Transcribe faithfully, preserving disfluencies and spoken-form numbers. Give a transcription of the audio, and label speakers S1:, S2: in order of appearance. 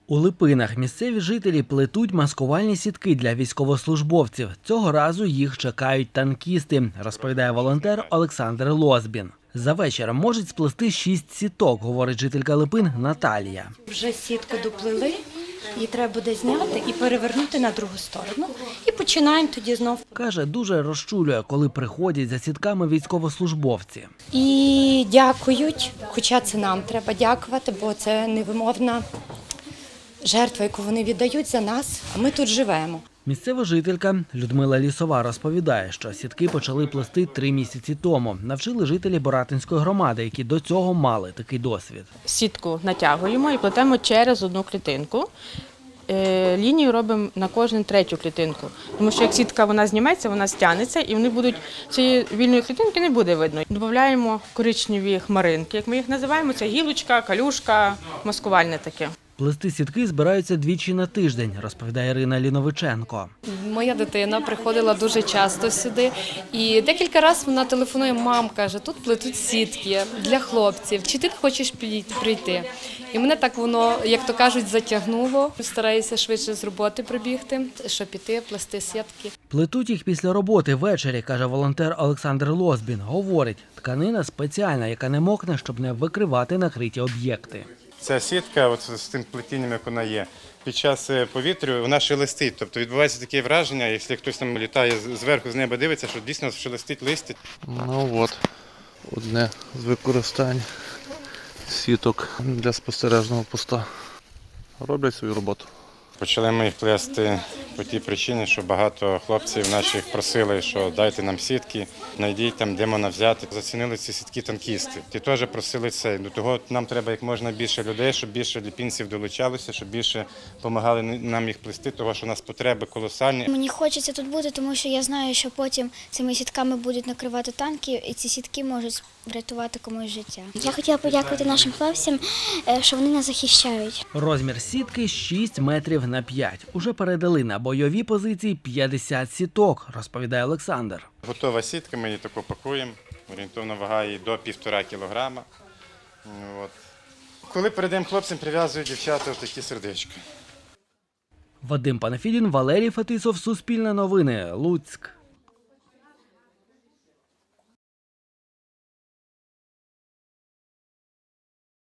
S1: У Липинах місцеві жителі плетуть маскувальні сітки для військовослужбовців. Цього разу їх чекають танкісти, розповідає волонтер Олександр Лозбін. За вечір можуть сплести шість сіток, говорить жителька Липин Наталія.
S2: Вже сітку доплели, її треба буде зняти і перевернути на другу сторону. І починаємо тоді знов.
S1: Каже, дуже розчулює, коли приходять за сітками військовослужбовці.
S2: І дякують, хоча це нам треба дякувати, бо це невимовна жертва, яку вони віддають за нас, а ми тут живемо.
S1: Місцева жителька Людмила Лісова розповідає, що сітки почали плести три місяці тому. Навчили жителі Боратинської громади, які до цього мали такий досвід.
S3: Сітку натягуємо і плетемо через одну клітинку. Лінію робимо на кожну третю клітинку. Тому що як сітка вона зніметься, вона стягнеться і вони будуть, цієї вільної клітинки не буде видно. Додаємо коричневі хмаринки, як ми їх називаємо, це гілочка, калюшка, маскувальне таке.
S1: Плести сітки збираються двічі на тиждень, розповідає Ірина Ліновиченко.
S4: Моя дитина приходила дуже часто сюди і декілька разів вона телефонує, мам, каже, тут плетуть сітки для хлопців, чи ти хочеш прийти? І мене так воно, як то кажуть, затягнуло. Стараюся швидше з роботи прибігти, щоб піти, плести сітки.
S1: Плетуть їх після роботи ввечері, каже волонтер Олександр Лозбін. Говорить, тканина спеціальна, яка не мокне, щоб не викривати накриті об'єкти.
S5: Ця сітка от з тим плетінням, як вона є, під час повітря вона шелестить. Тобто відбувається таке враження, якщо хтось там літає зверху, з неба дивиться, що дійсно шелестить листя.
S6: Ну от, одне з використань сіток для спостережного поста. Роблять свою роботу.
S5: Почали ми їх плести по тій причині, що багато хлопців наших просили, що дайте нам сітки, знайдіть там, де можна взяти. Зацінили ці сітки танкісти. Ті теж просили це. До того нам треба як можна більше людей, щоб більше ліпінців долучалося, щоб більше допомагали нам їх плести, тому що у нас потреби колосальні.
S7: Мені хочеться тут бути, тому що я знаю, що потім цими сітками будуть накривати танки, і ці сітки можуть врятувати комусь життя. Я хотіла подякувати нашим хлопцям, що вони нас захищають.
S1: Розмір сітки шість метрів на п'ять. Уже передали на бойові позиції п'ятдесят сіток, розповідає Олександр.
S5: Готова сітка, ми її таку пакуємо, орієнтовно вага її до півтора кілограма. От. Коли передаємо хлопцям, прив'язують дівчата такі сердечка.
S1: Вадим Панафідін, Валерій Фетисов, Суспільне новини, Луцьк.